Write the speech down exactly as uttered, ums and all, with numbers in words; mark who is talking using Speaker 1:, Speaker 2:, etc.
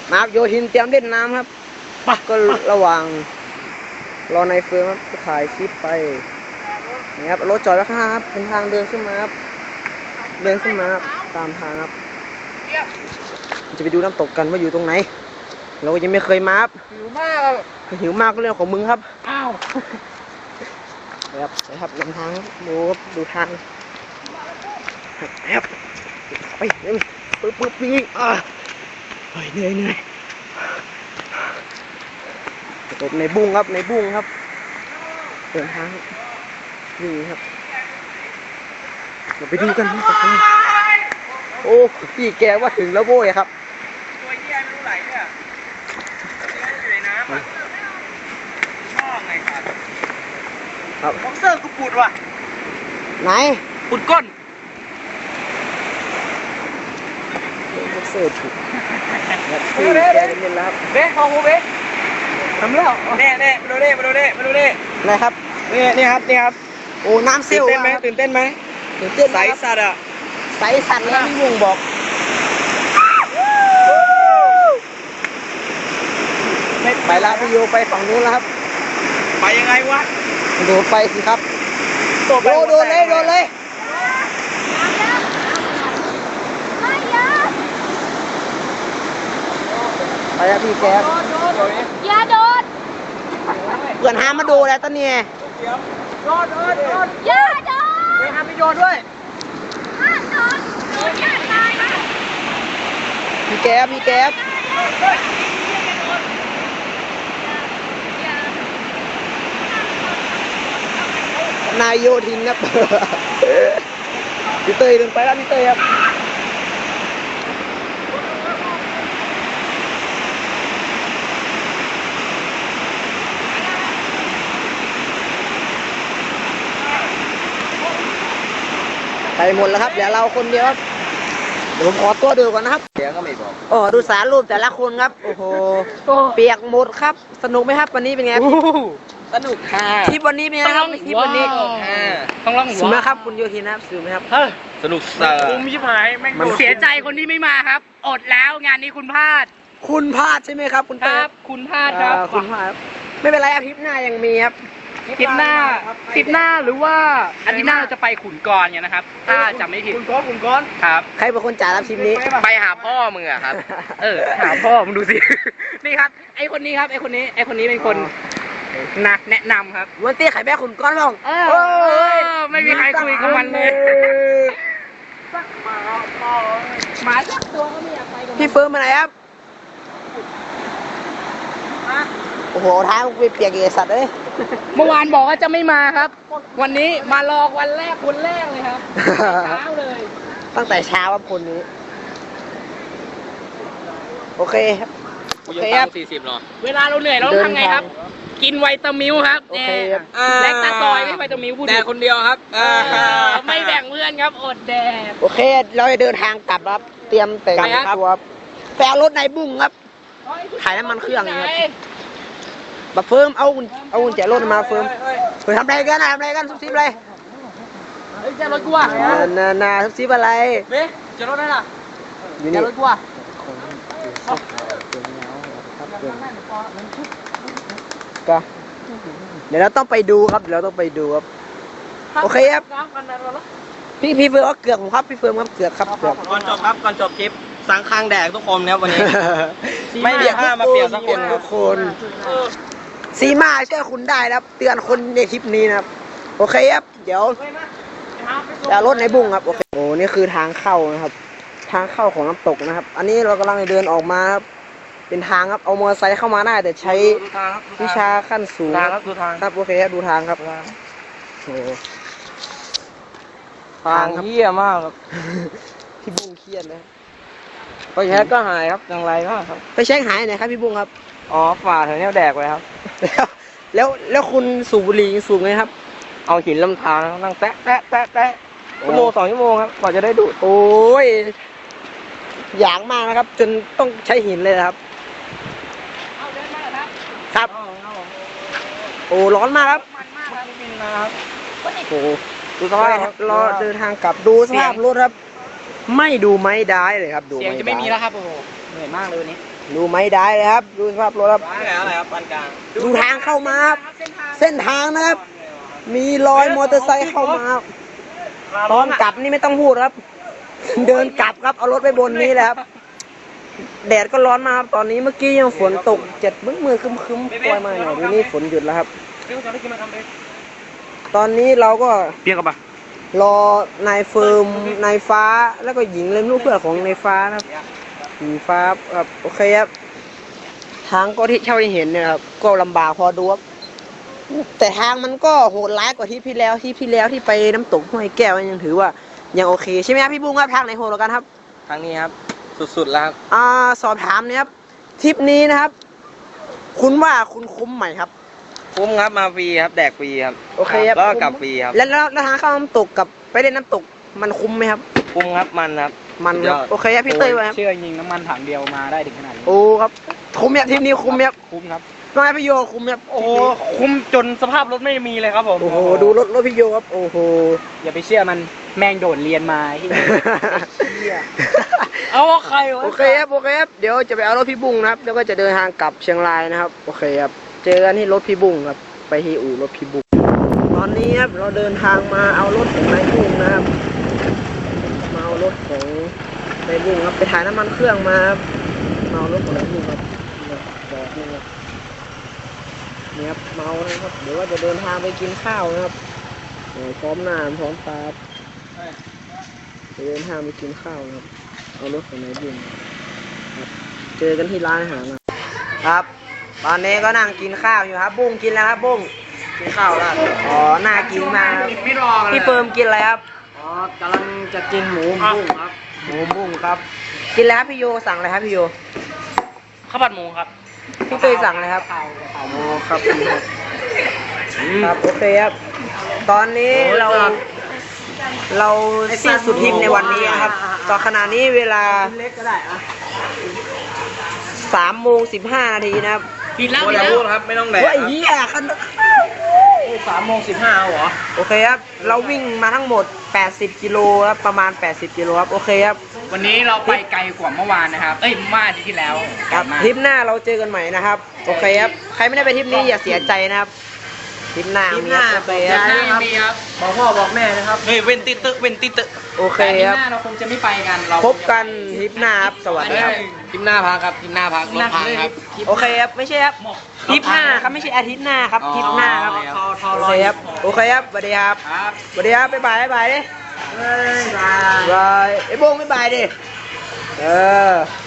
Speaker 1: มาโยทินเตรียมเล่นน้ำครับก็ระหว่างรอในเฟิร์มครับก็ถ่ายคลิปไปนี่ครับรถจอดไว้ข้างครับเป็นทางเดินขึ้นมาครับเดินขึ้นมาครับตามทางครับจะไปดูน้ำตกกันว่าอยู่ตรงไหนเราก็ยังไม่เคยมาครับหิวมากหิวมากก็เรื่องของมึงครับอ้าวครับนะครับนำทางดูครับดูทางครับไปเร็วปึ๊บปึ๊บวิ่งอ่ะเหนื่อยเหนื่อยตกในบุ้งครับในบุ้งครับเดินทางนี่ครับเราไปดูกันโอ้พี่แกว่าถึงแล้วโว้ยครับ
Speaker 2: ตัวเยี่ยไม่รู้ไหลเนี่ยอยู่ในน้ำอ่ะชอบไงครับ
Speaker 1: ครับ
Speaker 2: บ็อกเซอร์กูปุดว่ะ
Speaker 1: ไหน
Speaker 2: ปุดก้น
Speaker 1: บ็อกเซอร์ปุดพี่แกเล่นแล้วครับ
Speaker 2: เบ๊พอหูเบ๊ทำแล้วเน่เน่มาดูเน่มาดูเน่มาดูเน่
Speaker 1: ไหนครับ
Speaker 2: นี่นี่ครับนี่ครับ
Speaker 1: โอ้น้ำเซี่ยว
Speaker 2: ตื่นเต้นไหมตื่นเต้นไหม
Speaker 1: ตื่นเต้น
Speaker 2: ใสสัตว์อ่ะ
Speaker 1: ใสสัตว์แล้วพี่วงบอกไม่ไปละพี่โยไปฝั่งนู้นแล้วครับ
Speaker 2: ไปยังไงวะ
Speaker 1: โดดไปสิครับโดดโดดเลยโดดเลยไปแล้วพี่แก
Speaker 3: อย่าโดด
Speaker 1: เพื่อนหามาดูแล้วตอนนี้
Speaker 2: โดดโดดโดด
Speaker 3: อย่าโดด
Speaker 2: ไปหาไปโยนด้วย
Speaker 3: ห้ามโดดโดดอย่าตายนะ
Speaker 1: พี่แก๊บพี่แก๊บนายโยทินครับพี่เตยเดินไปแล้วพี่เตยครับไปหมดแล้วครับเดี๋ยวเราคนเดียวครับเดี๋ยวผมขอตัวดูก่อนนะครับ
Speaker 2: เดี๋ยวก็ไม่บอก
Speaker 1: โอ้ดูสารรูปแต่ละคนครับโอ้โหเปียกหมดครับสนุกไหมครับวันนี้เป็นไง
Speaker 2: สนุกค่ะ
Speaker 1: ทริปวันนี้เป็นไงครับทริปวันนี้
Speaker 2: ต้องร้อง
Speaker 1: สนุกไหมครับคุณโยทินครับสนุกไหมครับ
Speaker 2: สนุกสัสคุ้มชิบหายแม่ง
Speaker 4: เสียใจคนที่ไม่มาครับอดแล้วงานนี้คุณพลาด
Speaker 1: คุณพลาดใช่ไหมครับคุณเต้
Speaker 4: ครับคุณพลาดครับ
Speaker 1: คุณพลาดไม่เป็นไรอาทิตย์หน้ายังมีครับ
Speaker 4: ทริปหน้าทริปหน้าหรือว่าอาทิตย์หน้าเราจะไปขุนกรเนี่ยนะครับถ้าจำไม่ผิด
Speaker 2: ขุนก้อนขุนก้อน
Speaker 4: ครับ
Speaker 1: ใครเป็นคนจ่ายรับทริปนี้
Speaker 4: ไปหาพ่อมึงอะครับเออหาพ่อมึงดูสินี่ครับไอคนนี้ครับไอคนนี้ไอคนนี้เป็นคนนะแนะนำครับ
Speaker 1: วันเตี้ยไข่แม่ขุนก้อนบ้าง
Speaker 4: เออไม่มีใครคุยกับมันเลยหมาสักตัวก็ไม่อยากไปกับ
Speaker 1: พี่เฟิร์มมาไหนครับโอ้โหท้ายมันเปียกๆสัตว์เลย
Speaker 4: เมื่อวานบอกว่าจะไม่มาครับวันนี้มาลอกวันแรกคนแรกเลยครับเช้าเลย
Speaker 1: ตั้งแต่เช้าครับคนนี้โอเคครับ
Speaker 2: โอเคครับสี่สิบเนาะ
Speaker 4: เวลาเราเหนื่อยเราต้องทำไงครับกินไวตามิลครับแลคตาซอยไม่ไวตามิลพูด
Speaker 2: แต่คนเดียวครับ
Speaker 4: ไม่แบ่งเพื่อนครับอดแดด
Speaker 1: โอเคเราจะเดินทางกลับครับเตรียมแต่งตัวแปลรถในบุ้งครับขายน้ำมันเครื่องครับบัฟเฟิร์มเอาเอากุญแจรถมาเฟิร์มเฮ้ยทำอะไรกันทำอะไรกันซุบซิบอะไร
Speaker 4: เฮ้ยจะรถกูอ่ะ
Speaker 1: นานาซุบซิบอะไร
Speaker 4: เบ๊จะรถได้ล่ะจะรถกูอ่ะ
Speaker 1: ก็เดี๋ยวเราต้องไปดูครับเดี๋ยวเราต้องไปดูครับโอเคครับพี่พี่เฟิร์มเอาเกือกผมครับพี่เฟิร์มครับเกือกครับเกือก
Speaker 2: ก่อนจบครับก่อนจบคลิปสังคางแดกทุกคนครับวันนี้ไม่เปียกผ้ามาเปียกสักคน
Speaker 1: ทุกคนซีมาช่วยคุณได้ครับเตือนคนในคลิปนี้นะครับโอเคครับเดี๋ยวจะรถในบุ้งครับโอเคโอ้นี่คือทางเข้านะครับทางเข้าของน้ำตกนะครับอันนี้เรากำลังเดินออกมาครับเป็นทางครับเอามอเตอร์ไซค์เข้ามาได้แต่ใช้วิชาขั้นสูง
Speaker 2: ครับดูทาง
Speaker 1: ครับโอเคครับดูทางครับโอ้
Speaker 2: ทางเหี้ยมากครับ
Speaker 1: พี่บุ้งเครียดนะ
Speaker 2: ไปแช็กก็หายครับอย่างไรบ้างครับ
Speaker 1: ไปเช็คหายไหนครับพี่บุ้งครับ
Speaker 2: อ๋อฝ่าแถวนี้แดกไว้ครับ
Speaker 1: แล้วแล้วแล้วคุณสูบบุหรี่สูบไหมครับ
Speaker 2: เอาหินลำธารนั่งแตะแตะแตะแตะชั่วโมงสองชั่วโมงครับกว่าจะได้ดูด
Speaker 1: โอ้ยอย่างมากนะครับจนต้องใช้หินเลยครับครับโอ้ร้อนมากครับโอ้ดูสภาพรอเดินทางกลับดูสภาพรถครับไม่ดูไม่ได้เลยครับดู
Speaker 4: เสียงจะไม่มีแล้วครับโอ้โหเหนื่อยมากเลยวันนี้
Speaker 1: ดูไม่ได้เลยครับ ดูสภาพรถครับ
Speaker 2: อะไรอะไรครับปานกลาง
Speaker 1: ดูทางเข้ามาครับ เส้นทางนะครับ มีรอยมอเตอร์ไซค์เข้ามาครับตอนกลับนี่ไม่ต้องพูดครับ เดินกลับครับ เอารถไปบนนี้แหละครับ แดดก็ร้อนมากครับ ตอนนี้เมื่อกี้ยังฝนตกเจ็ดมืดมืดคึมคึมๆปล่อยมาหน่อยทีนี้ฝนหยุดแล้วครับ
Speaker 2: เรื่องจะได้กินมาทำเลย
Speaker 1: ตอนนี้เราก็
Speaker 4: เปียกกับปะ
Speaker 1: รอนายเฟิร์มนายฟ้าแล้วก็หญิงเลยลูกเพื่อนของนายฟ้านะครับหญิงฟ้าครับโอเคครับทางก็ที่เช่าที่เห็นเนี่ยครับก็ลำบากพอดูครับแต่ทางมันก็โหดร้ายกว่าที่พี่แล้วที่พี่แล้วที่ไปน้ำตกห้วยแก้วยังถือว่ายังโอเคใช่ไหมครับพี่บุ้งครับทางไหนโหดกว่ากันครับ
Speaker 2: ทางนี้ครับสุดๆแล้วครับ
Speaker 1: อ่าสอบถามเนี่ยครับทริปนี้นะครับ คุณว่าคุณคุ้มไหมครับ
Speaker 2: คุ้มครับมาฟรีครับแดกฟรีครับ
Speaker 1: โอเคครับ
Speaker 2: แล้วก็กลับฟรีครับ
Speaker 1: แล้วแล้วแล้วทางเข้าน้ำตกกับไปเล่นน้ำตกมันคุ้มไหมครับ
Speaker 2: คุ้มครับมันครับ
Speaker 1: มันครับ
Speaker 2: สุดยอด
Speaker 1: โอเคครับพี่เต้ยว่าครับ
Speaker 4: เชื่อยิงน้ำมันถังเดียวมาได้ถึงขนาดนี้
Speaker 1: โอ้ครับคุ้มไหมครับทริปนี้คุ้มไหมครับ
Speaker 4: คุ้มครับ
Speaker 1: น้อยพี่โยคุ้มไหมครับ
Speaker 2: โอ้โหคุ้มจนสภาพรถไม่มีเลยครับผม
Speaker 1: โอ้โหดูรถรถพี่โยครับโอ้โห
Speaker 4: อย่าไปเชื่อมันแม่งโดดเรียนมาที่
Speaker 2: เอาใครวะ
Speaker 1: โอเคครับโอเคครับเดี๋ยวจะไปเอารถพี่บุ้งนะครับแล้วก็จะเดินทางกลับเชียงรายนะครับโอเคครับเจอกันที่รถพี่บุ้งครับไปที่อู่รถพี่บุ้งตอนนี้ครับเราเดินทางมาเอารถของนายบุ้งนะครับมาเอารถของนายบุ้งครับไปถ่ายน้ำมันเครื่องมาครับมาเอารถของนายบุ้งครับจอดนี่ครับนี่ครับเมานะครับเดี๋ยวว่าจะเดินทางไปกินข้าวนะครับโอ้พร้อมหน้าพร้อมตาครับจะเดินทางไปกินข้าวนะครับเอารถของนายบุ้งครับเจอกันที่ร้านอาหารนะครับ ตอนนี้ก็นั่งกินข้าวอยู่ครับ บุ้งกินแล้วครับบุ้งกินข้าวแล้วอ๋อน่ากินมากครับ
Speaker 2: ไม่รอเลย
Speaker 1: พี่เปิมกินอะไรครับ
Speaker 2: อ๋อกำลังจะกินหมูบุ้งครับ
Speaker 1: หมูบุ้งครับ กินแล้วครับพี่โยสั่งอะไรครับพี่โย
Speaker 2: ข้าวผัดหมูครับ
Speaker 1: พี่เตยสั่งอะไรครับโอ้ครับครับโอเคครับ ตอนนี้เรา เราสิ้นสุดทริปในวันนี้นะครับ ตอนขณะนี้เวลา
Speaker 2: เล็กก็ได้อะ
Speaker 1: สามโมงสิบห้านาทีนะครับ
Speaker 2: ผิดแล้วผิดแล้วครับไม่ต้องแดก
Speaker 1: ว่าไอ้เหี้ยคัน
Speaker 2: สามโมงสิบห้าเหรอ
Speaker 1: โอเคครับ เราวิ่งมาทั้งหมดแปดสิบกิโลครับประมาณแปดสิบกิโลครับโอเคครับ
Speaker 4: วันนี้เราไปไกลกว่าเมื่อวานนะครับ เอ้ยเมื่ออาทิตย์ที่แล้ว
Speaker 1: ครับ
Speaker 4: ไกลมาก
Speaker 1: ทริปหน้าเราเจอกันใหม่นะครับโอเคครับใครไม่ได้ไปทริปนี้อย่าเสียใจนะครับทริปหน้า
Speaker 2: ทริปหน้า
Speaker 1: มีโอเคครับ
Speaker 2: บอกยาย
Speaker 4: มีครับ
Speaker 2: บอกพ่อบอกแม่นะครับเฮ้ยเว้นติตึเว้นติตึ
Speaker 1: โอเค
Speaker 4: แต่อาที่
Speaker 1: ครับ
Speaker 4: หน้าเราคงจะไม่ไปกันเรา
Speaker 1: พบกันทริปหน้าครับสวัสดีครับ
Speaker 2: ทริปหน้าพักครับทริปหน้าพักรถพังครับ
Speaker 1: โอเคครับไม่ใช่ครับทริปหน้าครับไม่ใช่อาทิตย์หน้าครับทริปหน้าครับ
Speaker 2: ทอทอ
Speaker 1: โอ
Speaker 2: รอ
Speaker 1: เค
Speaker 2: ย
Speaker 1: ครับโอเคครับสวัสดีครับ
Speaker 2: ครับ
Speaker 1: สวัสดีครับบ๊ายบายบ๊ายบายดิ
Speaker 2: บ๊ายบาย
Speaker 1: บายไอ้โบงบ๊ายบายดิเออ